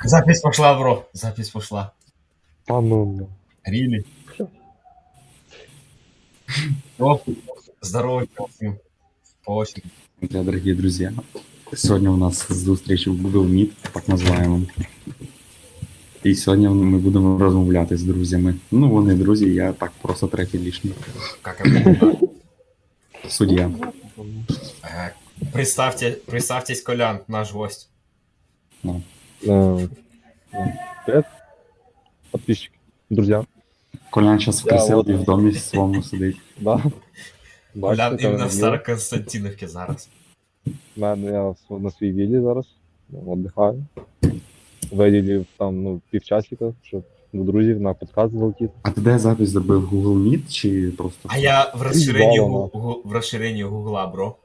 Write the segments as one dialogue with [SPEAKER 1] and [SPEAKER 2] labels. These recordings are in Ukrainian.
[SPEAKER 1] Запись пошла, бро. Запись пошла.
[SPEAKER 2] А ну.
[SPEAKER 1] Рили. О, здорово всем. По очереди.
[SPEAKER 3] Друзья, дорогие друзья, сегодня у нас зустріч в Google Meet, так називаємо. І сьогодні ми будемо розмовляти з друзями. Ну, вони друзі, я так просто третій лишній.
[SPEAKER 1] Как обычно.
[SPEAKER 3] Суддя.
[SPEAKER 1] Представьтесь, Колян, наш гость.
[SPEAKER 3] Ну.
[SPEAKER 2] Привет, подписчики, друзья.
[SPEAKER 3] Колян зараз в
[SPEAKER 2] Я
[SPEAKER 3] приселі
[SPEAKER 2] от-
[SPEAKER 3] в домі своєму сидить.
[SPEAKER 2] Да.
[SPEAKER 1] Колян
[SPEAKER 2] Бачите,
[SPEAKER 1] іменно в
[SPEAKER 2] там
[SPEAKER 1] Староконстантинівці зараз.
[SPEAKER 2] я на своїй віллі зараз, віддихаю. Виділив там півчасика, щоб до друзів на подкаст залетіти.
[SPEAKER 3] А ти де запис зробив? Google Meet чи просто?
[SPEAKER 1] А я в розширенні,
[SPEAKER 2] Вау,
[SPEAKER 1] в розширенні Гугла, бро.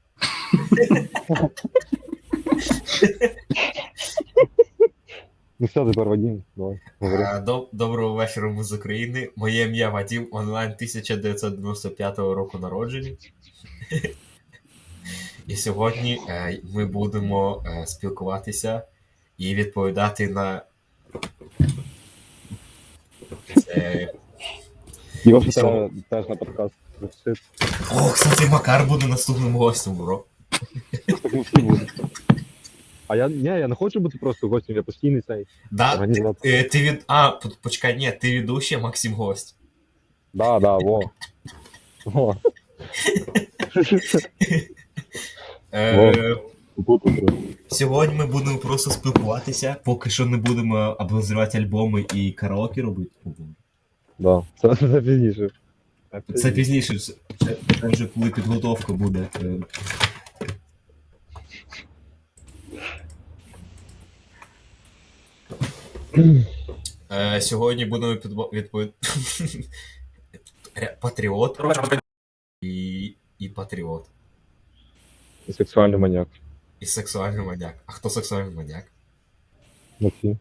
[SPEAKER 2] Ну все, тепер Вадим, давай, говори.
[SPEAKER 1] Доброго вечора, ми з України. Моє ім'я Вадим, онлайн 1995 року народження. І сьогодні ми будемо спілкуватися і відповідати на
[SPEAKER 2] Йоша
[SPEAKER 1] що?
[SPEAKER 2] теж на подкаст.
[SPEAKER 1] О, кстати, Макар буде наступним гостем, бро.
[SPEAKER 2] Так ми всі будемо. А я не хочу бути просто гостем, я постійний цей.
[SPEAKER 1] Да?
[SPEAKER 2] Організатор.
[SPEAKER 1] Почекай, ні, ти ведущий, а Максим гость.
[SPEAKER 2] Да, во. Во.
[SPEAKER 1] Сьогодні ми будемо просто спілкуватися, поки що не будемо обозрівати альбоми і караоке робити.
[SPEAKER 2] Да, це пізніше.
[SPEAKER 1] Це пізніше, це вже коли підготовка буде. Сьогодні будемо відповідати патріот і патріот.
[SPEAKER 2] І сексуальний маньяк.
[SPEAKER 1] І сексуальний маньяк. А хто сексуальний маньяк?
[SPEAKER 2] Максим.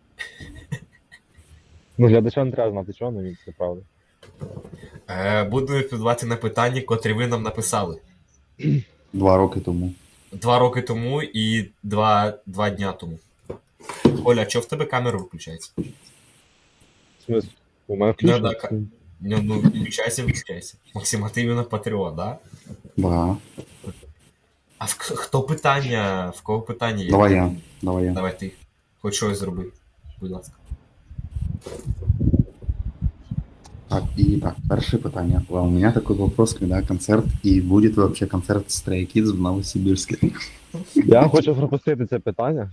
[SPEAKER 2] Ну, глядачам не треба знати, чого, але він це правда.
[SPEAKER 1] Будемо відповідати на питання, котрі ви нам написали.
[SPEAKER 3] 2 роки тому.
[SPEAKER 1] 2 роки тому і 2 дня тому. Оля, а чого в тебе камера виключається?
[SPEAKER 2] В смысле? У мене включено?
[SPEAKER 1] Ну, включайся. Максим, а ти іменно патріот, да?
[SPEAKER 3] Да.
[SPEAKER 1] А хто питання? В кого питання є?
[SPEAKER 3] Давай я.
[SPEAKER 1] Давай ти. Хоч щось зроби. Будь ласка.
[SPEAKER 3] Так, перше питання. У меня такой вопрос, когда концерт, и будет вообще концерт Stray Kids в Новосибирске?
[SPEAKER 2] Я хочу пропустити це питання.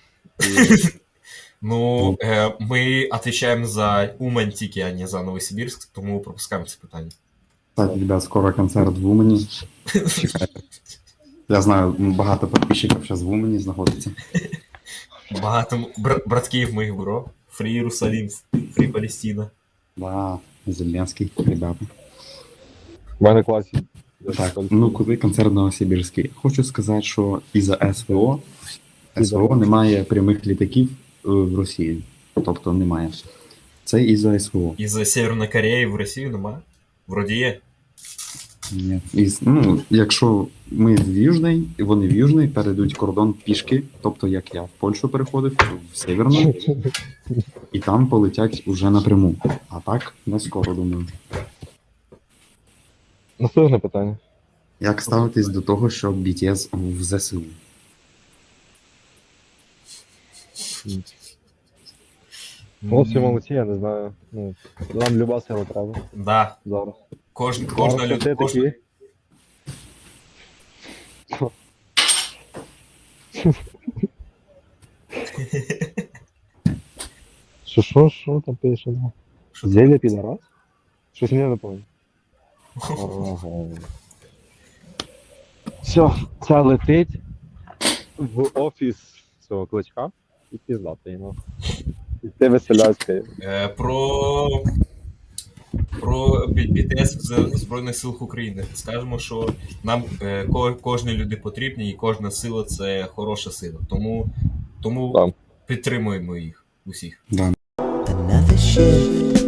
[SPEAKER 1] Ну, ми відповідаємо за Умань тільки, а не за Новосибірськ, тому пропускаємо це питання.
[SPEAKER 3] Кстати, ребят, скоро концерт в Умані. Чекайте. Я знаю, багато підписчиків зараз в Умані знаходиться.
[SPEAKER 1] Багато братків моїх, бро. Фрі Єрусалим, Фрі Палестина.
[SPEAKER 3] Да, Зеленський, ребята.
[SPEAKER 2] В мене класі.
[SPEAKER 3] Так, ну коли концерт Новосибірський? Хочу сказати, що із-за СВО немає прямих літаків в Росії. Тобто немає. Це із-за СВО.
[SPEAKER 1] Із Северної Кореї в Росію нема? Вроді є.
[SPEAKER 3] Ні. Якщо ми в Южний, і вони в Южний, перейдуть кордон пішки, тобто як я в Польщу переходив, в Северну, і там полетять уже напряму. А так, не скоро, думаю.
[SPEAKER 2] Наступне питання.
[SPEAKER 3] Як ставитись до того, що BTS в ЗСУ?
[SPEAKER 2] Хлопці молодці, я не знаю. Ну, нам люба сила треба
[SPEAKER 1] Да.
[SPEAKER 2] зараз.
[SPEAKER 1] Кожна
[SPEAKER 2] Зараз
[SPEAKER 1] людина.
[SPEAKER 2] такі. Що там пише? Зелье підарас? Щось мені не пам'ятаю. Все, це летить в офіс цього кличка і піздати йому. І ти веселяйся.
[SPEAKER 1] Про BTS в Збройних силах України. Скажемо, що нам кожній люди потрібні, і кожна сила це хороша сила. Тому
[SPEAKER 2] Так.
[SPEAKER 1] підтримуємо їх усіх.
[SPEAKER 3] Да.
[SPEAKER 4] Another shift.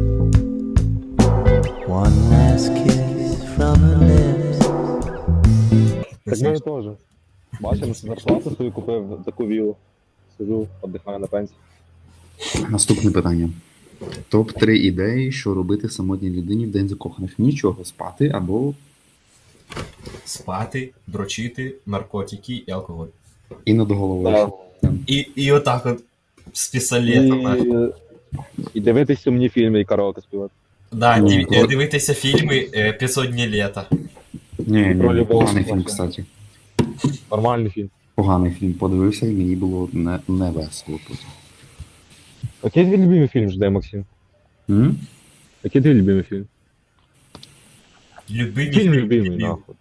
[SPEAKER 4] One last kiss from her lips.
[SPEAKER 2] Так ми теж. Бачимо, зарплату свою купив таку вілу. сижу, віддихаю на пенсії.
[SPEAKER 3] Наступне питання. Топ-3 ідеї, що робити самотній людині в день закоханих. Нічого, спати або
[SPEAKER 1] Спати, дрочити, наркотики і алкоголь.
[SPEAKER 3] і над головою.
[SPEAKER 2] Да.
[SPEAKER 1] І отак от з пістолетом. нахуй.
[SPEAKER 2] І дивитись сумні фільми і караоке співати.
[SPEAKER 1] Да,
[SPEAKER 3] Ні,
[SPEAKER 1] дивитися фільми 500 днів літа.
[SPEAKER 3] Ні,
[SPEAKER 2] Про любов.
[SPEAKER 3] поганий фільм, кстати.
[SPEAKER 2] Нормальний фільм.
[SPEAKER 3] Поганий фільм. Подивився і мені було не весело потім.
[SPEAKER 2] Який твій любимий фільм жде, Максим?
[SPEAKER 3] М?
[SPEAKER 2] Який твій любимий фільм?
[SPEAKER 1] Любимі
[SPEAKER 2] Фільм
[SPEAKER 1] фільми,
[SPEAKER 2] любимий,
[SPEAKER 1] дебіл.
[SPEAKER 2] нахуй.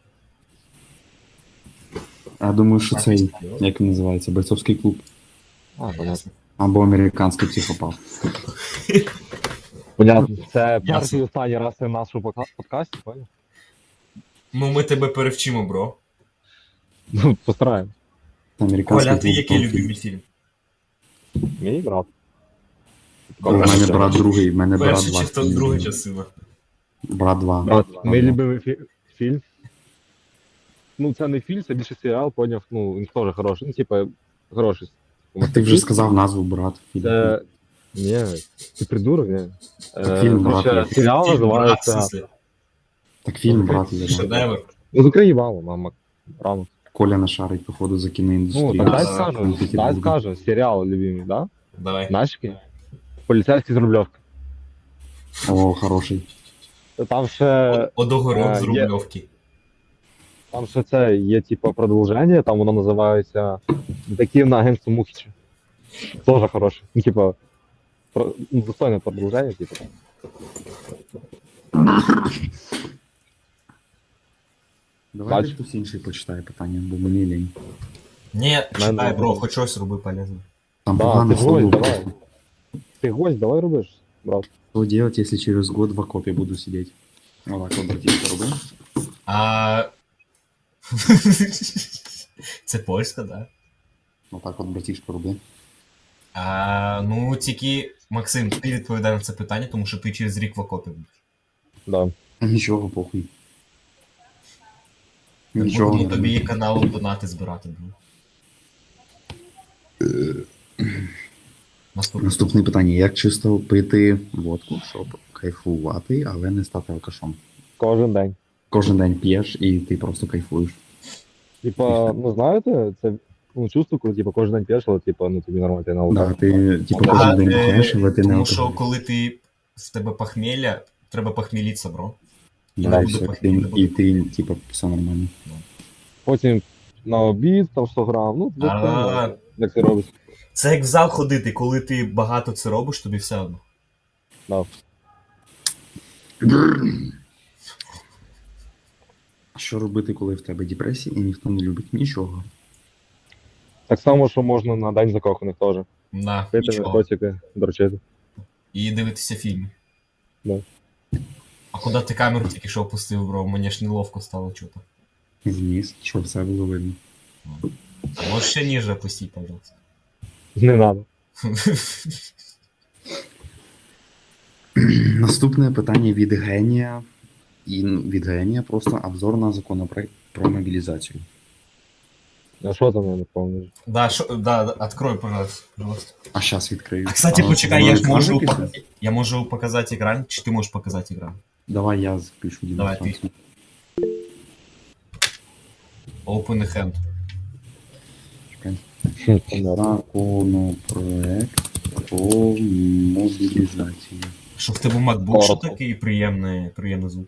[SPEAKER 3] Я думаю, що цей, як він називається, бойцовський клуб.
[SPEAKER 2] Понятно.
[SPEAKER 3] Або американський психопат.
[SPEAKER 2] Понятно. Це
[SPEAKER 1] Ясно.
[SPEAKER 2] перший і останній раз в нашому подкасті, понял?
[SPEAKER 1] Ну ми тебе перевчимо, бро.
[SPEAKER 2] Ну, постараємо.
[SPEAKER 3] Це американський
[SPEAKER 1] Коля, ти
[SPEAKER 3] клуб.
[SPEAKER 1] який
[SPEAKER 3] топ-фільм.
[SPEAKER 1] любимий фільм?
[SPEAKER 2] Мій брат.
[SPEAKER 3] У мене брат другий, в мене брат
[SPEAKER 1] Перша
[SPEAKER 3] два.
[SPEAKER 1] чи хто друга частина?
[SPEAKER 3] Брат 2.
[SPEAKER 2] Брат, мій любимий фільм. Ну, це не фільм, це більше серіал, поняв. Ну, він теж хороший. Ну, типа, хороший.
[SPEAKER 3] Ти вже сказав назву брат.
[SPEAKER 2] Це... Ні, ти придурок, ні.
[SPEAKER 3] Фільм
[SPEAKER 2] Короче,
[SPEAKER 3] «Брат» є.
[SPEAKER 2] серіал
[SPEAKER 1] Фільм, брат, в
[SPEAKER 2] називається...
[SPEAKER 1] смислі.
[SPEAKER 3] Так фільм брат є. да.
[SPEAKER 1] Шедевр.
[SPEAKER 2] Ну, з України мало, мама. Рано.
[SPEAKER 3] Коля нашарить, походу, за
[SPEAKER 2] Ну,
[SPEAKER 3] кіноіндустрію.
[SPEAKER 2] так дай
[SPEAKER 1] да,
[SPEAKER 2] скажу, дай скажу. Серіал любимий, да?
[SPEAKER 1] Давай.
[SPEAKER 2] Знаєш який? Поліцейський з Рубльовки.
[SPEAKER 3] О, хороший.
[SPEAKER 2] Там ще...
[SPEAKER 1] Одогород з
[SPEAKER 2] є.
[SPEAKER 1] Рубльовки.
[SPEAKER 2] Там ще це є, типа, продовження, там воно називається «Детектив на агентство Мухіча». Тоже хороше. Ну, типа, достойне продовження, типа.
[SPEAKER 3] Давай
[SPEAKER 2] Бач.
[SPEAKER 3] хтось інший почитає питання, бо мені лінь.
[SPEAKER 1] Ні, читай,
[SPEAKER 2] Мене-
[SPEAKER 1] бро, хоч щось роби полезне.
[SPEAKER 3] Там
[SPEAKER 2] Да,
[SPEAKER 3] погано
[SPEAKER 2] ти гость,
[SPEAKER 3] слово.
[SPEAKER 2] давай. Ти гость, давай робиш, брат.
[SPEAKER 3] Что делать, если через год в окопе буду сидеть? Вот так вот, братишка, роби.
[SPEAKER 1] А... Це польська, да?
[SPEAKER 3] Вот так вот, братишка, роби.
[SPEAKER 1] Ну, тільки, Максим, ти відповідай на це питання, тому що ти через рік в окопі будеш.
[SPEAKER 2] Да.
[SPEAKER 3] Нічого, похуй.
[SPEAKER 1] Ну,
[SPEAKER 3] Нічого. не
[SPEAKER 1] тобі є
[SPEAKER 3] роби.
[SPEAKER 1] каналом донати збирати, бро. Наступне.
[SPEAKER 3] Наступне питання. Як чисто пити водку, щоб кайфувати, але не стати алкашом?
[SPEAKER 2] Кожен день.
[SPEAKER 3] Кожен день п'єш і ти просто кайфуєш.
[SPEAKER 2] Типа, ну знаєте, це ну, чувство, коли типа, кожен день п'єш, але типа, ну тобі нормально, ти на
[SPEAKER 3] Да,
[SPEAKER 2] алкоголь.
[SPEAKER 3] ти типу
[SPEAKER 1] Да,
[SPEAKER 3] кожен день п'єш, але ти не
[SPEAKER 1] Тому що
[SPEAKER 3] алкоголь.
[SPEAKER 1] коли ти в тебе похмілля, треба похмілитися, бро.
[SPEAKER 3] Да,
[SPEAKER 1] не
[SPEAKER 3] і
[SPEAKER 1] буде
[SPEAKER 3] все,
[SPEAKER 1] похмілля,
[SPEAKER 3] і ти, типу, все нормально.
[SPEAKER 2] Потім на обід, там 100 грам, ну,
[SPEAKER 1] А.
[SPEAKER 2] достойно, як це робиш.
[SPEAKER 1] Це як в зал ходити, коли ти багато це робиш, тобі все одно.
[SPEAKER 2] Да.
[SPEAKER 3] Що робити, коли в тебе депресія і ніхто не любить нічого?
[SPEAKER 2] Так само, що можна на день закоханих теж.
[SPEAKER 1] На,
[SPEAKER 2] Пити
[SPEAKER 1] нічого.
[SPEAKER 2] наркотики, дрочити.
[SPEAKER 1] І дивитися фільми.
[SPEAKER 2] Да.
[SPEAKER 1] А куди ти камеру тільки що опустив, бро? Мені ж неловко стало чути.
[SPEAKER 3] Вниз, щоб все було видно.
[SPEAKER 1] Можеш ще ніже опустити, пожалуйста.
[SPEAKER 2] Не надо.
[SPEAKER 3] Наступне питання від генія. І від генія просто обзор на законопроект про мобілізацію.
[SPEAKER 2] А що там я не пам'ятаю?
[SPEAKER 1] Да, открой, пожалуйста.
[SPEAKER 3] А зараз відкрию.
[SPEAKER 1] А, кстати,
[SPEAKER 3] А,
[SPEAKER 1] почекай,
[SPEAKER 3] воно
[SPEAKER 1] я ж
[SPEAKER 3] екран
[SPEAKER 1] можу,
[SPEAKER 3] записує?
[SPEAKER 1] я можу показати екран, чи ти можеш показати екран?
[SPEAKER 3] Давай я запишу
[SPEAKER 1] Давай,
[SPEAKER 3] демонстрацію.
[SPEAKER 1] Open hand.
[SPEAKER 3] Чекай.
[SPEAKER 2] Понятно.
[SPEAKER 3] Законопроект про мобілізацію.
[SPEAKER 1] Що в тебе MacBook, що
[SPEAKER 2] Коротко.
[SPEAKER 1] такий приємний звук?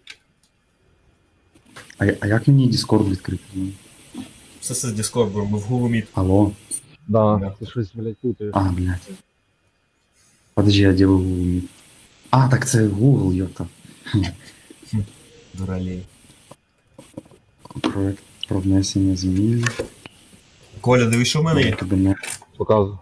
[SPEAKER 3] А як мені Discord відкрити?
[SPEAKER 1] Все з Discord, бро, ми в Google Meet.
[SPEAKER 3] Алло?
[SPEAKER 2] Да,
[SPEAKER 1] Да.
[SPEAKER 2] ти щось, блядь, путаєш.
[SPEAKER 3] А, блядь. Подожди, я делаю Google Meet. А, так це Google, йота.
[SPEAKER 1] Дуралей.
[SPEAKER 3] Проект про внесення змін.
[SPEAKER 1] Коля, дивись, що в мене є?
[SPEAKER 3] Кабінет.
[SPEAKER 2] Показую.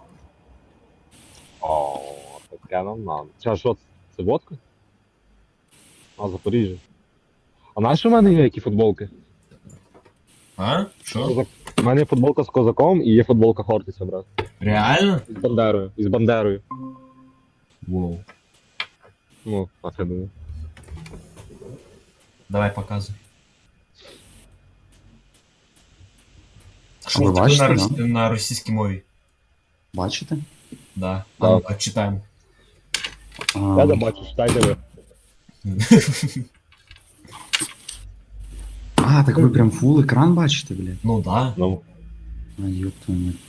[SPEAKER 2] О, таке нам надо. Це що, це водка? А, Запоріжжя. А знаєш, що в мене є які футболки?
[SPEAKER 1] А? Що?
[SPEAKER 2] У мене є футболка з козаком і є футболка Хортиця, брат.
[SPEAKER 1] Реально?
[SPEAKER 2] З Бандерою. І з Бандерою.
[SPEAKER 1] Воу.
[SPEAKER 2] Ну, а це думаю.
[SPEAKER 1] Давай показуй.
[SPEAKER 3] А
[SPEAKER 1] Що
[SPEAKER 3] ви
[SPEAKER 1] в тебе
[SPEAKER 3] бачите,
[SPEAKER 1] на,
[SPEAKER 3] да?
[SPEAKER 1] на російській мові?
[SPEAKER 3] Бачите?
[SPEAKER 1] Да.
[SPEAKER 2] Так.
[SPEAKER 1] А ну-ка, читаємо.
[SPEAKER 2] Я не бачу, читайте ви.
[SPEAKER 3] Так ви прям фул екран бачите, блядь?
[SPEAKER 1] Ну да.
[SPEAKER 2] Ну,
[SPEAKER 3] А, ёб твою мать.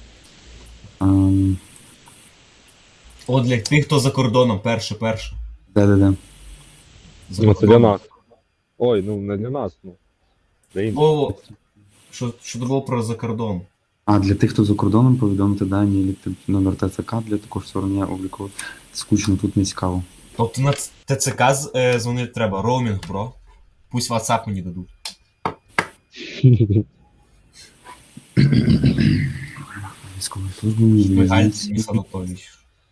[SPEAKER 1] От для тих, хто за кордоном, перше.
[SPEAKER 3] Да-да-да.
[SPEAKER 1] За
[SPEAKER 2] ну це для
[SPEAKER 1] кордоном.
[SPEAKER 2] нас. Ой, ну не для нас, ну. Для інших.
[SPEAKER 1] О, що це було про за кордон?
[SPEAKER 3] А для тих, хто за кордоном, повідомити дані номер ТЦК для також створення обліку. Скучно, тут не цікаво.
[SPEAKER 1] Тобто на ТЦК дзвонити треба, роумінг, бро. Пусть WhatsApp мені дадуть.
[SPEAKER 3] Військової служби мені
[SPEAKER 1] Михайло Денис Анатолійович.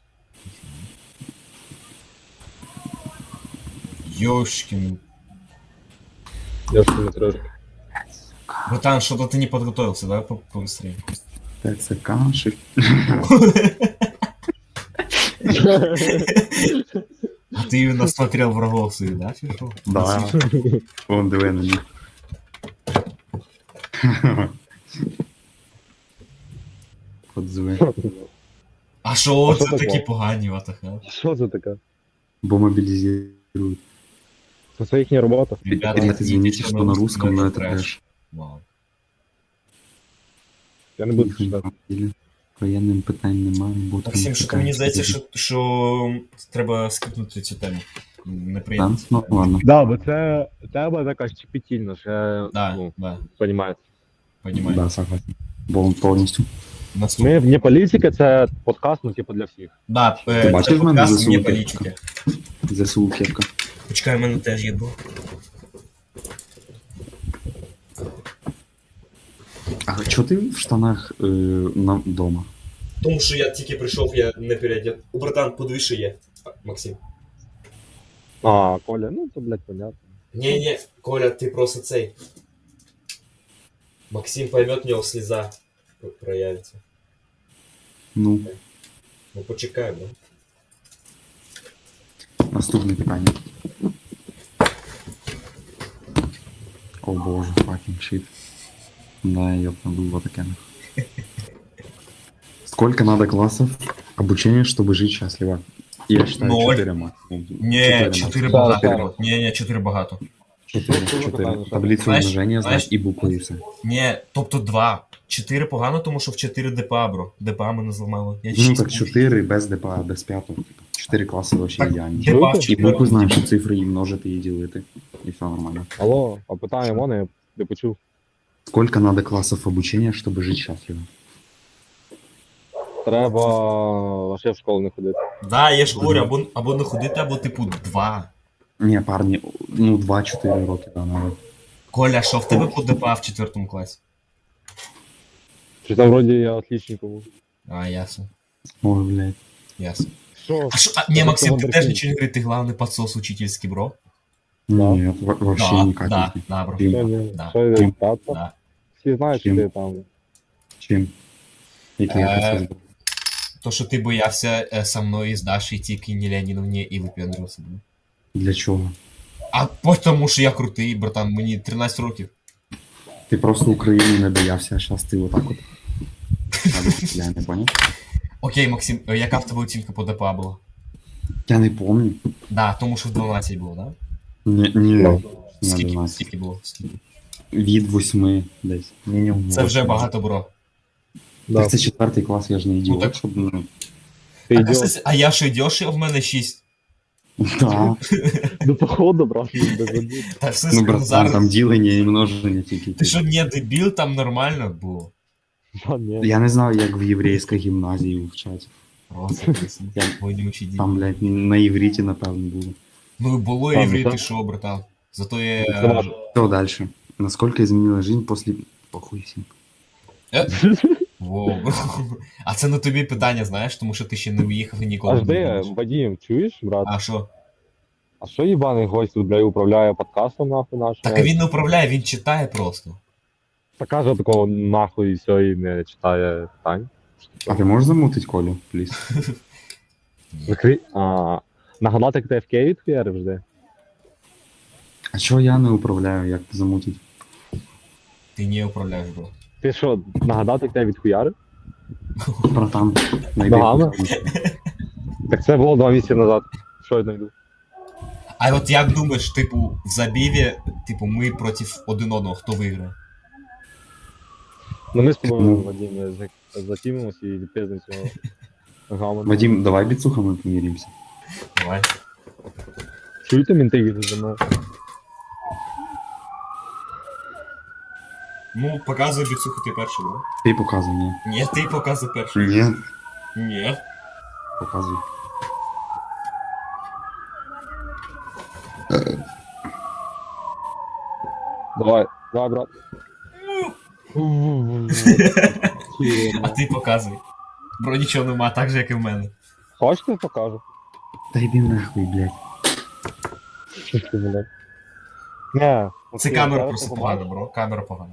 [SPEAKER 1] Ёшкин.
[SPEAKER 2] Я ж не трошки.
[SPEAKER 1] Братан, что-то ты не подготовился, давай побыстрее.
[SPEAKER 3] ТЦК, шифт.
[SPEAKER 1] А ты именно смотрел врагов своих, да, фишел?
[SPEAKER 3] Да. Вон диви на них. Подзве.
[SPEAKER 1] А що
[SPEAKER 2] А
[SPEAKER 1] це
[SPEAKER 2] що таке?
[SPEAKER 1] такі погані, ватаха?
[SPEAKER 2] Що це таке?
[SPEAKER 3] Бо мобілізують.
[SPEAKER 2] Це їхня робота.
[SPEAKER 1] Ребята,
[SPEAKER 3] Ребята, извините,
[SPEAKER 1] идите
[SPEAKER 3] что на русском, но это
[SPEAKER 1] трэш.
[SPEAKER 3] трэш.
[SPEAKER 1] Вау.
[SPEAKER 2] Я не буду
[SPEAKER 3] Їх
[SPEAKER 2] читати.
[SPEAKER 3] на воєнним питань немає. бо там
[SPEAKER 1] Максим, що
[SPEAKER 3] така
[SPEAKER 1] мені здається,
[SPEAKER 3] історія.
[SPEAKER 1] що треба скипнути цю тему. Неприємно.
[SPEAKER 3] Так? Ну ладно.
[SPEAKER 2] Да, бо це тема така щепетільна, ще,
[SPEAKER 1] Да,
[SPEAKER 2] ну,
[SPEAKER 1] да,
[SPEAKER 2] понімаєте.
[SPEAKER 1] понимаю.
[SPEAKER 3] Да, согласен. Повністю.
[SPEAKER 1] Наступне.
[SPEAKER 2] Ми вне політики, це подкаст, ну, типу, для всіх.
[SPEAKER 1] Да,
[SPEAKER 3] Ти бачиш
[SPEAKER 1] це
[SPEAKER 3] в мене
[SPEAKER 1] подкаст
[SPEAKER 3] ЗСУ
[SPEAKER 1] не
[SPEAKER 3] кепка?
[SPEAKER 1] політики.
[SPEAKER 3] ЗСУ кепка.
[SPEAKER 1] Почекай, в мене теж є був.
[SPEAKER 3] А чого ти в штанах дома?
[SPEAKER 1] Тому що я тільки прийшов, я не переодет. У братан, подивись, що є. Максим.
[SPEAKER 2] А, Коля, ну це, блядь, понятно.
[SPEAKER 1] Не, Коля, ти просто цей. Максим поймет, у нього сліза проявиться.
[SPEAKER 3] Ну,
[SPEAKER 1] Ну почекай, да?
[SPEAKER 3] наступне питання. О боже, fucking shit. Да, ёб надуло таке. Сколько надо классов обучения, чтобы жить счастливо? Я считаю,
[SPEAKER 1] 0.
[SPEAKER 3] 4 максимум.
[SPEAKER 1] Не, 4
[SPEAKER 2] максимум.
[SPEAKER 1] багато.
[SPEAKER 2] Так,
[SPEAKER 1] було. Не, 4 багато.
[SPEAKER 3] 4. Таблицу
[SPEAKER 1] Знаєш-
[SPEAKER 3] умножения
[SPEAKER 1] знаєш-
[SPEAKER 3] знать и буквы и все.
[SPEAKER 1] Не, тобто 2. 4 погано, тому що в 4 ДПА, бро. ДПА мене зламало. Я
[SPEAKER 3] Ну
[SPEAKER 1] 6
[SPEAKER 3] так 4 без ДПА, без 5. 4 класси вообще
[SPEAKER 1] Так,
[SPEAKER 3] ідеальні.
[SPEAKER 1] ДПА в
[SPEAKER 3] І
[SPEAKER 1] 4.
[SPEAKER 3] букви знаєш, що цифри і множити, і ділити. І все нормально.
[SPEAKER 2] Алло, а питання мене, я не почув.
[SPEAKER 3] Сколько надо классов обучения, чтобы жить счастливо?
[SPEAKER 2] Треба вообще в школу не ходити.
[SPEAKER 1] Да, я ж говорю, або не ходити, або типу 2.
[SPEAKER 3] Не, парни, ну 2-4 роки, да, надо.
[SPEAKER 1] Коля, що в тебе по ДПА в 4 класі?
[SPEAKER 2] Чи там вроді я отличником був.
[SPEAKER 1] А, ясно.
[SPEAKER 3] Ой, блядь.
[SPEAKER 1] Ясно.
[SPEAKER 2] Що?
[SPEAKER 1] Не,
[SPEAKER 2] Это
[SPEAKER 1] Максим, ты
[SPEAKER 2] вундеркинд.
[SPEAKER 1] теж ничего не говорит, ты главный подсос учительский, бро.
[SPEAKER 2] Да.
[SPEAKER 3] Нет, вообще
[SPEAKER 1] Да,
[SPEAKER 3] никак.
[SPEAKER 1] да, да, бро.
[SPEAKER 3] Чим?
[SPEAKER 2] Що ні?
[SPEAKER 1] Да.
[SPEAKER 2] Що я тата?
[SPEAKER 1] Да.
[SPEAKER 2] Всі знають, що
[SPEAKER 3] Чим?
[SPEAKER 2] ти там.
[SPEAKER 3] Чим? Який я
[SPEAKER 1] Е,
[SPEAKER 3] процес був?
[SPEAKER 1] То, що ти боявся со мною з Дашей тільки не Леонідовні і випендрювався. бро.
[SPEAKER 3] Для чого?
[SPEAKER 1] А тому, що я крутий, братан, мені 13 років.
[SPEAKER 3] Ти просто України не боявся, а зараз ти отак от. Я не понял.
[SPEAKER 1] Окей, Максим, яка в тебе оцінка по ДПА була?
[SPEAKER 3] Я не помню.
[SPEAKER 1] Да, тому що в 12 було, да?
[SPEAKER 3] Ні,
[SPEAKER 2] Ну.
[SPEAKER 3] не
[SPEAKER 1] Скільки,
[SPEAKER 3] 12.
[SPEAKER 1] скільки було? Скільки?
[SPEAKER 3] Від 8 десь. Мінімум.
[SPEAKER 1] Це вже
[SPEAKER 3] 8.
[SPEAKER 1] багато, бро.
[SPEAKER 2] Да.
[SPEAKER 3] Так це 4 клас, я ж не ідіот,
[SPEAKER 1] так-
[SPEAKER 3] щоб, ну,
[SPEAKER 2] Ти
[SPEAKER 1] А,
[SPEAKER 2] йдеш.
[SPEAKER 1] а я що йдеш, а в мене 6.
[SPEAKER 3] да.
[SPEAKER 2] Ну, походу, брат, без обід.
[SPEAKER 1] Та все
[SPEAKER 3] Ну, братан,
[SPEAKER 1] зараз.
[SPEAKER 3] там ділення і множення тільки.
[SPEAKER 1] Ти що, не дебіл, там нормально було.
[SPEAKER 2] Та ні.
[SPEAKER 3] Я не знаю, як в єврейській гімназії вчать.
[SPEAKER 1] Просто
[SPEAKER 3] Я-
[SPEAKER 1] вонючий дім.
[SPEAKER 3] Там, блядь, на івриті, напевно, було.
[SPEAKER 1] Ну, було
[SPEAKER 2] Ладно,
[SPEAKER 1] єврей,
[SPEAKER 2] так.
[SPEAKER 1] ти що, братан? Зато
[SPEAKER 2] Це
[SPEAKER 1] я...
[SPEAKER 2] наш.
[SPEAKER 3] Что дальше? Насколько изменилась жизнь после... Похуй всім.
[SPEAKER 1] Воу. А це на тобі питання, знаєш, тому що ти ще не уїхав і ніколи
[SPEAKER 2] Аж
[SPEAKER 1] не
[SPEAKER 2] де,
[SPEAKER 1] будеш.
[SPEAKER 2] Вадим, чуєш, брат?
[SPEAKER 1] А що?
[SPEAKER 2] А що їбаний гость тут, бля, управляє подкастом, нахуй, нашим?
[SPEAKER 1] Так а він не управляє, він читає просто.
[SPEAKER 2] Та каже такого нахуй і все, і не читає питань.
[SPEAKER 3] А ты можешь замутить Колю, плиз?
[SPEAKER 2] Закрий. Нагадати, як ти FK відхуярив жди.
[SPEAKER 3] А чого я не управляю, як замутить?
[SPEAKER 1] Ти не управляєш, бро.
[SPEAKER 2] Ти що, нагадати, як ти відхуярив?
[SPEAKER 3] Братан, найди.
[SPEAKER 2] Ногами? Так це було 2 місяці назад. Що я знайду?
[SPEAKER 1] А от як думаєш, типу, в забіві, типу, ми проти один одного, хто виграє?
[SPEAKER 2] Ну ми з тобою,
[SPEAKER 3] Ну.
[SPEAKER 2] Вадим, затімимося і відпиздимо цього гамона.
[SPEAKER 3] Вадим, давай біцухами поміримося.
[SPEAKER 1] Давай.
[SPEAKER 2] Чуєте мінти за мною?
[SPEAKER 1] Ну, показуй біцуху ти перший, бро.
[SPEAKER 3] Ти показуй мені.
[SPEAKER 1] Ні, ти показуй перший.
[SPEAKER 3] Ні,
[SPEAKER 1] Ні.
[SPEAKER 3] показуй.
[SPEAKER 2] Давай, брат.
[SPEAKER 1] А ти показуй. Бро, нічого нема, так же, як і в мене.
[SPEAKER 2] Хочете, покажу?
[SPEAKER 3] Та йди нахуй, блядь.
[SPEAKER 2] Не.
[SPEAKER 1] Це
[SPEAKER 2] окей,
[SPEAKER 1] камера
[SPEAKER 2] зараз
[SPEAKER 1] просто
[SPEAKER 2] побачиш.
[SPEAKER 1] погана, бро. Камера погана.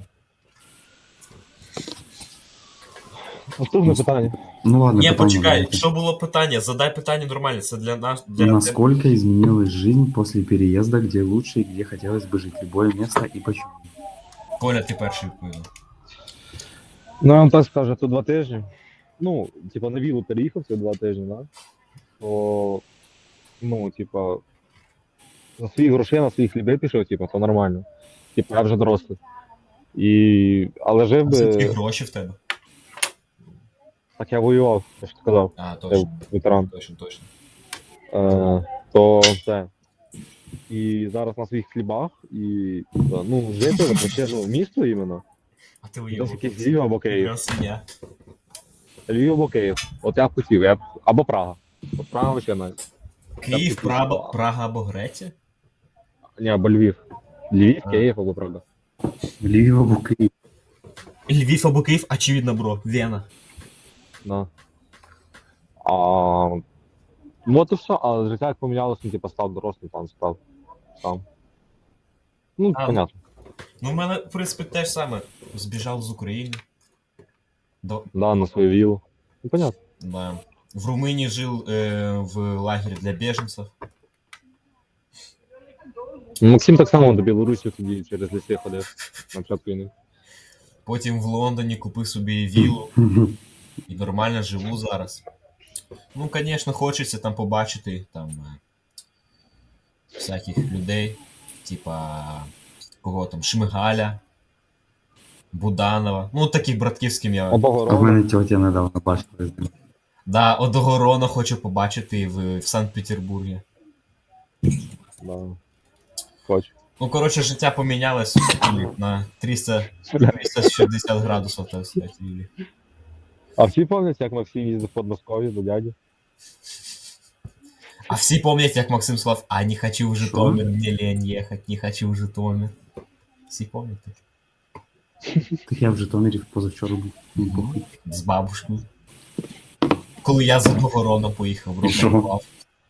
[SPEAKER 2] Наступне питання.
[SPEAKER 3] Ну ладно,
[SPEAKER 1] Ні,
[SPEAKER 3] питання
[SPEAKER 1] почекай,
[SPEAKER 3] давайте.
[SPEAKER 1] що було питання? Задай питання нормально, це для нас. Для...
[SPEAKER 3] Насколько изменилась жизнь после переезда, где лучше и где хотелось бы жить? Любое место и почему?
[SPEAKER 1] Коля, ти перший відповідав.
[SPEAKER 2] Ну, я вам так скажу, то 2 тижні. Ну, типа, на вілу переїхав ці 2 тижні, да? То, ну, типа, на свої гроші, на свої хліби пішов, типа, то нормально. Типа, я вже дорослий. Але жив
[SPEAKER 1] А звідки
[SPEAKER 2] би,
[SPEAKER 1] гроші в тебе?
[SPEAKER 2] так я воював, я ж сказав,
[SPEAKER 1] А,
[SPEAKER 2] я
[SPEAKER 1] точно.
[SPEAKER 2] ветеран.
[SPEAKER 1] Точно.
[SPEAKER 2] То це. І зараз на своїх хлібах, і, типа, ну, жити, вообще, ну, місто іменно.
[SPEAKER 1] А ти
[SPEAKER 2] Десь
[SPEAKER 1] уйобок.
[SPEAKER 2] якийсь Львів або Київ.
[SPEAKER 1] Я свиня.
[SPEAKER 2] Львів або Київ. От я б хотів, або Прага. От Прага ще навіть.
[SPEAKER 1] Київ,
[SPEAKER 2] Так,
[SPEAKER 1] Прага або Греція?
[SPEAKER 2] Ні, або Львів. Львів,
[SPEAKER 1] А.
[SPEAKER 2] Київ або Прага.
[SPEAKER 3] Львів або Київ.
[SPEAKER 1] Львів або Київ, очевидно, бро. Вена.
[SPEAKER 2] Да. Ну от і все, але життя як помінялося, ну, типу, став дорослим, там став сам. Ну,
[SPEAKER 1] А.
[SPEAKER 2] понятно.
[SPEAKER 1] Ну, в мене, в принципі, те ж саме. Збіжав з України.
[SPEAKER 2] Да, на свою вілу. Ну, понятно.
[SPEAKER 1] Да. В Румынии жил в лагере для беженцев.
[SPEAKER 2] Ну, Максим так само до Білорусі тоді через ліси ходив на початку війни.
[SPEAKER 1] Потім в Лондоні купив собі віллу і нормально живу зараз. Ну, звісно, хочеться там побачити там всяких людей, типа кого там, Шмигаля, Буданова. Ну, таких братків, з ким я.
[SPEAKER 3] А в
[SPEAKER 2] Обогород.
[SPEAKER 3] мене тьотя недавно бачила.
[SPEAKER 1] Да, Одогорона хочу побачити в Санкт-Петербургі.
[SPEAKER 2] Да. Хочу.
[SPEAKER 1] Ну, коротше, життя помінялось на 360 градусів, так сказати. Юлі.
[SPEAKER 2] А всі пам'ятають, як Максим їздив в Подмосков'я до дяді?
[SPEAKER 1] А всі пам'ятають, як Максим сказав, а не хочу в Житомир, мені лень їхати, не хочу в Житомир. Всі пам'ятають?
[SPEAKER 3] Так я в Житомирі позавчора був. Ну, похуй.
[SPEAKER 1] З бабушкою. Коли я з Одогорона поїхав,
[SPEAKER 3] І що?
[SPEAKER 1] рокував.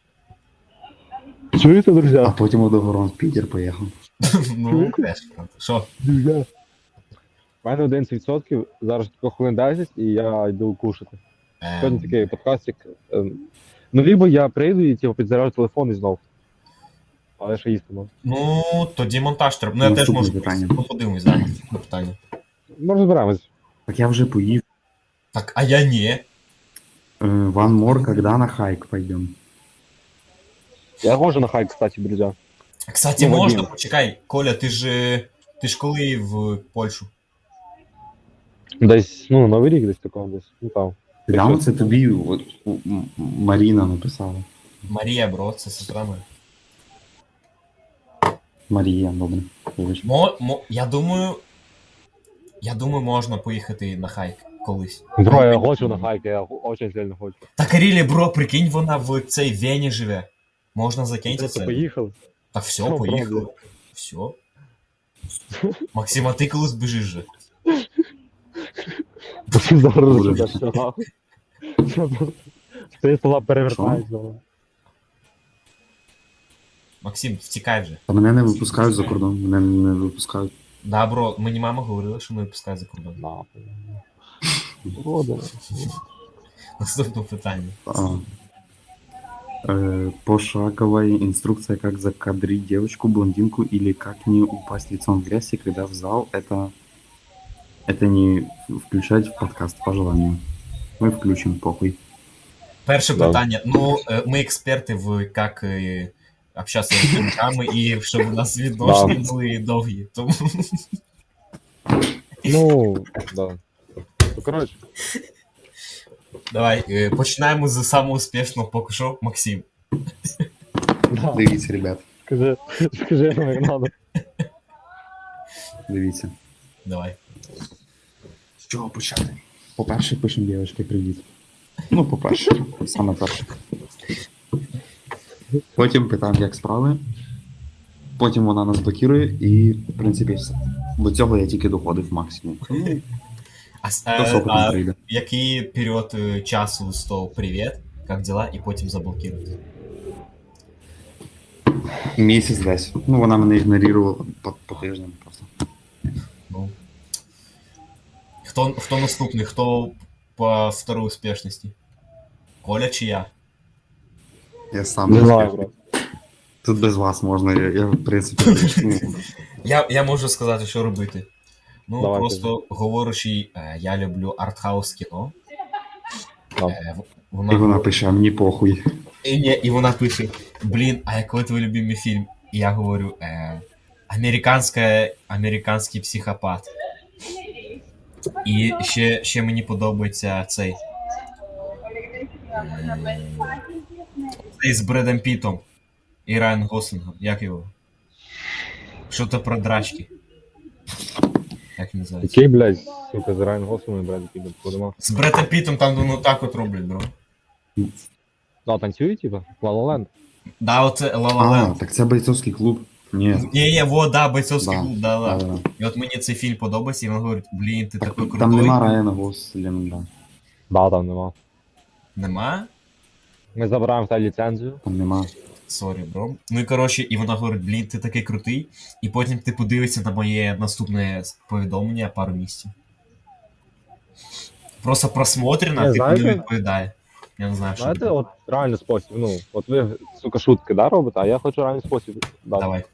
[SPEAKER 2] Чуєте, друзі?
[SPEAKER 3] А потім Одогорон в Питер поїхав.
[SPEAKER 1] Ну, теж, правда. Що?
[SPEAKER 2] Друзі. У мене 11%, зараз тільки хвилин 10 і я йду кушати. Сьогодні такий подкастик. Ну, либо я прийду і типу, підзаряджу телефон і знов. Але ще їсти можу.
[SPEAKER 1] Ну, тоді монтаж треба. Ну, я теж
[SPEAKER 3] Наступне
[SPEAKER 1] можу
[SPEAKER 3] питання.
[SPEAKER 1] Ну, подивимось, да, наступне питання.
[SPEAKER 2] Ми розберемось.
[SPEAKER 3] Так я вже поїв.
[SPEAKER 1] Так, а я ні.
[SPEAKER 3] Ван Мор, когда на хайк пойдем?
[SPEAKER 2] Я ходжу на хайк, кстати, друзі.
[SPEAKER 1] Кстати,
[SPEAKER 2] Ну,
[SPEAKER 1] можна,
[SPEAKER 2] Вадим.
[SPEAKER 1] почекай, Коля, ти ж коли в Польщу?
[SPEAKER 2] Десь, ну, Новий рік десь такого десь. Ну там.
[SPEAKER 3] Прямо це тобі от, Маріна написала.
[SPEAKER 1] Марія, бро, це сестра моя.
[SPEAKER 3] Марія, добре. Вибач.
[SPEAKER 1] Я думаю, можна поїхати на хайк колись.
[SPEAKER 2] Бро, я хочу на хайк, я очень сильно хочу.
[SPEAKER 1] Так, Рілі, бро, прикинь, вона в цій Вені живе. Можна закиньте
[SPEAKER 2] Просто
[SPEAKER 1] це.
[SPEAKER 2] поїхали.
[SPEAKER 1] Так все,
[SPEAKER 2] Ну,
[SPEAKER 1] поїхали.
[SPEAKER 2] правда.
[SPEAKER 1] Все. Максим, а ти коли збіжиш же?
[SPEAKER 2] Зараз
[SPEAKER 3] Дуже
[SPEAKER 2] вже все нахуй. Ти слова перевертаються.
[SPEAKER 1] Максим, втікай вже.
[SPEAKER 3] А мене не випускають за кордон, мене не випускають.
[SPEAKER 1] Да, бро, мені мама говорила, що не випускають за кордон.
[SPEAKER 2] Нахуй. Рода.
[SPEAKER 1] Наступне питання.
[SPEAKER 3] Пошаговая инструкция, как закадрить девочку, блондинку или как не упасть лицом в грязь, и когда в зал, это не включать в подкаст по желанию. Ми включимо похуй.
[SPEAKER 1] Перше
[SPEAKER 2] Да.
[SPEAKER 1] питання. Ну, ми експерти в як общатися з жінками і щоб у нас відносини були довгі. Тому
[SPEAKER 2] Ну, да. Ну, коротше,
[SPEAKER 1] давай починаємо з самого успішного поки що, Максим.
[SPEAKER 2] да.
[SPEAKER 3] Дивіться, ребят,
[SPEAKER 2] Скажи нам, як надо.
[SPEAKER 3] дивіться.
[SPEAKER 1] Давай.
[SPEAKER 3] З чого почати? По-перше, пишемо дівчатки привіт. Ну, по-перше, саме перше. Потім питаємо, як справи. Потім вона нас блокує і, в принципі, все. До цього я тільки доходив максимум. До сопотом
[SPEAKER 1] А
[SPEAKER 3] прийде.
[SPEAKER 1] який період часу з того привіт, як дела, і потім заблокувати?
[SPEAKER 3] Місяць десь. Ну, вона мене ігнорувала по тижням просто.
[SPEAKER 1] Ну. Хто наступний? Хто по второй успішності? Коля чи я?
[SPEAKER 3] Я сам
[SPEAKER 2] Не
[SPEAKER 3] не
[SPEAKER 2] знаю,
[SPEAKER 3] знаю.
[SPEAKER 2] брат.
[SPEAKER 3] Тут без вас можна, я в принципі, ну,
[SPEAKER 1] Я можу сказати, що робити. Ну,
[SPEAKER 2] Давай,
[SPEAKER 1] просто говорячи, я люблю артхаус кіно.
[SPEAKER 2] Да.
[SPEAKER 3] і вона пише, а мені похуй.
[SPEAKER 1] І вона пише: блін, а який твій любимий фільм? І я говорю, американський психопат. І ще мені подобається цей. Цей з Бредом Пітом і Райан Гослингом. Як його? Що-то про драчки. Як називається?
[SPEAKER 2] Який, блядь, сука, з Райан Гослингом, блядь, піде, подима.
[SPEAKER 1] З Бредом Пітом там ну так от роблять, бро.
[SPEAKER 2] Да, танцює, типа? La La Land.
[SPEAKER 1] Да, оце La La
[SPEAKER 3] А,
[SPEAKER 1] Land.
[SPEAKER 3] так це бойцовський клуб. Ні.
[SPEAKER 1] Ні, во, да, бойцовський
[SPEAKER 3] Да,
[SPEAKER 1] клуб, да.
[SPEAKER 3] да.
[SPEAKER 1] І от мені цей фільм подобається, і він говорить, блін, ти такий крутой.
[SPEAKER 3] Там нема Райана Гослінга.
[SPEAKER 2] Да, там нема.
[SPEAKER 1] Нема?
[SPEAKER 2] Ми забираємо в тебе ліцензію.
[SPEAKER 3] Там нема.
[SPEAKER 1] Сорі, бро. Ну і коротше, і вона говорить, блін, ти такий крутий. І потім ти подивишся на моє наступне повідомлення пару місяців. Просто просмотрено,
[SPEAKER 2] Не,
[SPEAKER 1] типу
[SPEAKER 2] знаєте-
[SPEAKER 1] не відповідає. Я не знаю, що
[SPEAKER 2] Знаєте,
[SPEAKER 1] робити.
[SPEAKER 2] от реальний спосіб, ну, от ви, сука, шутки, да, робите, а я хочу реальний спосіб. Да.
[SPEAKER 1] Давай.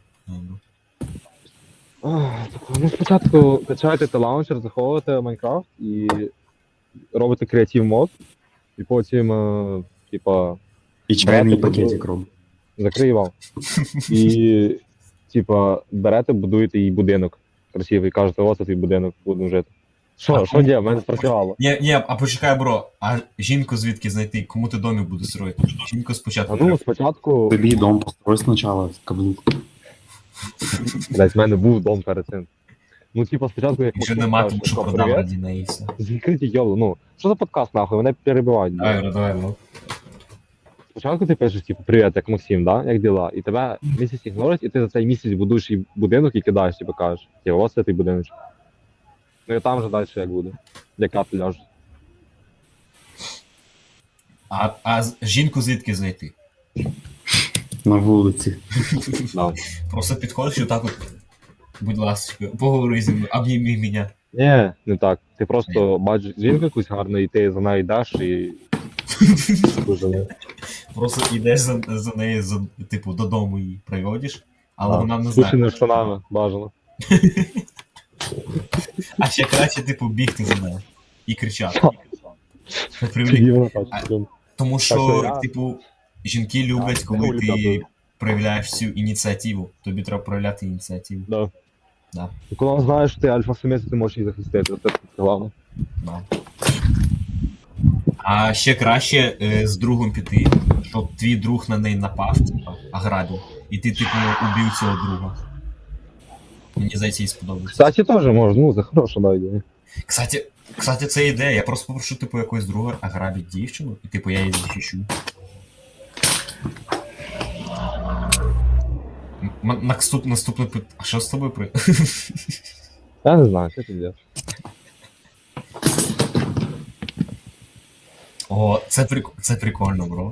[SPEAKER 2] Ну, спочатку качаєте лаунчер, заховуєте Майнкрафт і робите креатив мод, і потім, типа,
[SPEAKER 3] І чайний
[SPEAKER 2] Брати
[SPEAKER 3] пакетик робить.
[SPEAKER 2] закриє вам. І, типа, берете, будуєте їй будинок красивий, кажете, ось твій будинок, будемо жити. Що діє, в мене спрацювало.
[SPEAKER 1] Ні, а почекай, бро, а жінку звідки знайти? Кому ти домик будеш строїти? Жінку спочатку.
[SPEAKER 2] А
[SPEAKER 1] треба.
[SPEAKER 2] ну, спочатку,
[SPEAKER 3] Тобі дом построй спочатку, каблук.
[SPEAKER 2] блядь, в мене був дом перед цим. Ну, типа, спочатку, як
[SPEAKER 1] Вже
[SPEAKER 2] Максим
[SPEAKER 1] нема,
[SPEAKER 2] каже,
[SPEAKER 1] тому що
[SPEAKER 2] що,
[SPEAKER 1] продав
[SPEAKER 2] привіт,
[SPEAKER 1] раді неї і все.
[SPEAKER 2] закриті йолу, ну, що за подкаст, нахуй, мене перебивають.
[SPEAKER 1] Давай, ну.
[SPEAKER 2] Спочатку ти пишеш, типу, привіт, як Максим, да? Як діла? І тебе місяць ігнорить, і ти за цей місяць будуєш і будинок і кидаєш, типу, кажеш, типу, ось це твій будиночок. Ну і там вже далі як буде. Яка ти ляжеш.
[SPEAKER 1] А жінку звідки знайти?
[SPEAKER 3] На вулиці.
[SPEAKER 2] Да.
[SPEAKER 1] Просто підходиш і отак от, будь ласка, поговори зі мною, обніми мене.
[SPEAKER 2] Ні, не так. Ти просто бачиш жінку якусь гарну, і ти за нею йдеш і. Дуже.
[SPEAKER 1] Просто йдеш за нею, типу, додому її приводиш, але
[SPEAKER 2] Да.
[SPEAKER 1] вона не
[SPEAKER 2] З
[SPEAKER 1] знає.
[SPEAKER 2] пущеними штанами, бажано.
[SPEAKER 1] А ще краще, типу, бігти за нею і кричати. Щоб привлік-
[SPEAKER 2] Тоді вона бачить.
[SPEAKER 1] Тому
[SPEAKER 2] Так що
[SPEAKER 1] що,
[SPEAKER 2] я-
[SPEAKER 1] типу, жінки люблять, коли
[SPEAKER 2] хуй
[SPEAKER 1] ти
[SPEAKER 2] дякую.
[SPEAKER 1] проявляєш всю ініціативу. Тобі треба проявляти ініціативу.
[SPEAKER 2] Да.
[SPEAKER 1] Да.
[SPEAKER 2] І коли вона знає, що ти альфа-самець, ти можеш її захистити. Це головне.
[SPEAKER 1] Да. А ще краще з другом піти, щоб твій друг на неї напав, типа, ограбив. І ти, типу, убив цього друга. Мені здається, їй сподобається.
[SPEAKER 2] Кстати, теж можна, ну, це хороша да, ідея.
[SPEAKER 1] Кстати, це ідея. Я просто попрошу, типу, якогось друга ограбити дівчину, і типу я її захищу. Наступний пит. А що з тобою при.
[SPEAKER 2] Я не знаю, що ти робиш.
[SPEAKER 1] О, це прикольно, бро.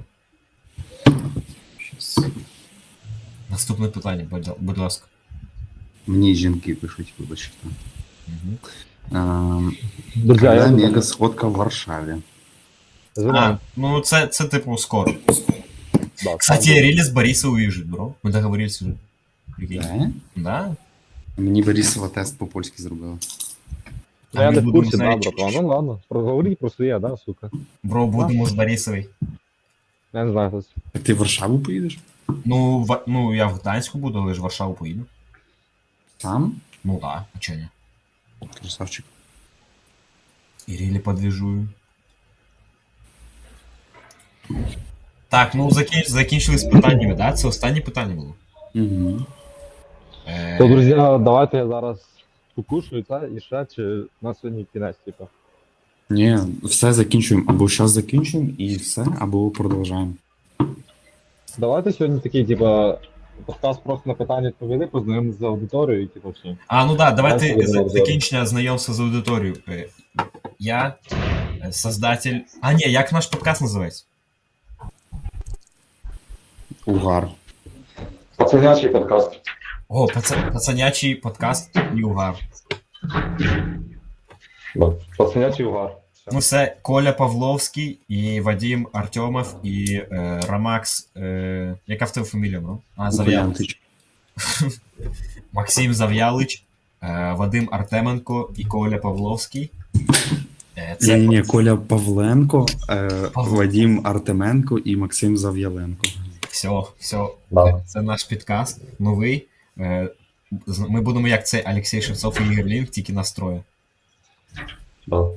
[SPEAKER 3] Щас.
[SPEAKER 1] Наступне питання, будь ласка.
[SPEAKER 3] Мені жінки пишуть, вибачте.
[SPEAKER 1] Угу.
[SPEAKER 2] Друзі,
[SPEAKER 3] Когда
[SPEAKER 2] я
[SPEAKER 3] мега сходка в Варшаві?
[SPEAKER 1] А, ну це типу скоро.
[SPEAKER 2] Да,
[SPEAKER 1] Кстати, релиз Бориса уезжает, бро. Мы договорились уже. Прикинь.
[SPEAKER 3] Да?
[SPEAKER 1] Да?
[SPEAKER 3] Мені Борисова тест по-польськи зробила.
[SPEAKER 2] Ну, я
[SPEAKER 1] ми
[SPEAKER 2] не в
[SPEAKER 1] будемо,
[SPEAKER 2] курсі, да,
[SPEAKER 1] знаєте,
[SPEAKER 2] братва. Ну ладно, проговоріть про своє, да, сука.
[SPEAKER 1] Бро, будемо з Борисовою.
[SPEAKER 2] Я не знаю, хтось.
[SPEAKER 3] Так ти в Варшаву поїдеш?
[SPEAKER 1] Ну, ну, я в Гданську буду, але ж в Варшаву поїду.
[SPEAKER 3] Сам?
[SPEAKER 1] Ну так, а чого ні?
[SPEAKER 3] Красавчик.
[SPEAKER 1] І рілі подвіжую. Так, ну закінчили з питаннями, да? Це останнє питання було.
[SPEAKER 3] Угу.
[SPEAKER 2] То, друзі, давайте я зараз покушаю, та, і ще, чи на сьогодні кінець, типу.
[SPEAKER 3] Ні, все закінчуємо. Або зараз закінчуємо і все, або продовжаємо.
[SPEAKER 2] Давайте сьогодні такий, типа, подкаст просто на питання відповіли, познайомимося з аудиторією, типу, все.
[SPEAKER 1] А, ну да, давайте
[SPEAKER 2] Давайте будемо
[SPEAKER 1] закінчення знайомства з аудиторією. Я создатель. А, ні, як наш подкаст називається?
[SPEAKER 3] Угар.
[SPEAKER 2] Пацанячий подкаст.
[SPEAKER 1] О, пацанячий подкаст і угар.
[SPEAKER 2] Да. Пацанячий угар.
[SPEAKER 1] Ну, це Коля Павловський і Вадим Артемов і Ромакс. Яка в тебе фамілія, ну? А, Зав'ялич.
[SPEAKER 3] Варіантич.
[SPEAKER 1] Максим Зав'ялич, Вадим Артеменко і Коля Павловський. Це
[SPEAKER 3] Ні, Коля Павленко, Вадим Артеменко і Максим Зав'яленко.
[SPEAKER 1] все.
[SPEAKER 2] Да.
[SPEAKER 1] Це наш підкаст новий. Ми будемо як це Олексій Шевцов і Ігор Лінк, тільки настрою.
[SPEAKER 2] Да.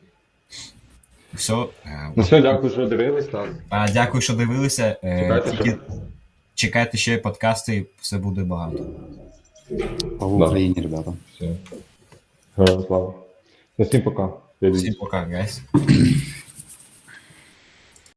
[SPEAKER 1] Все.
[SPEAKER 2] Ну все, дякую, що дивились нас.
[SPEAKER 1] Дякую, що дивилися.
[SPEAKER 2] Чекайте,
[SPEAKER 1] Тільки чекайте ще подкасти, все буде багато.
[SPEAKER 3] По
[SPEAKER 2] Да.
[SPEAKER 3] Україні, ребята.
[SPEAKER 2] Все. Героям слава. Ну, всім пока.
[SPEAKER 1] Всім пока, гайс.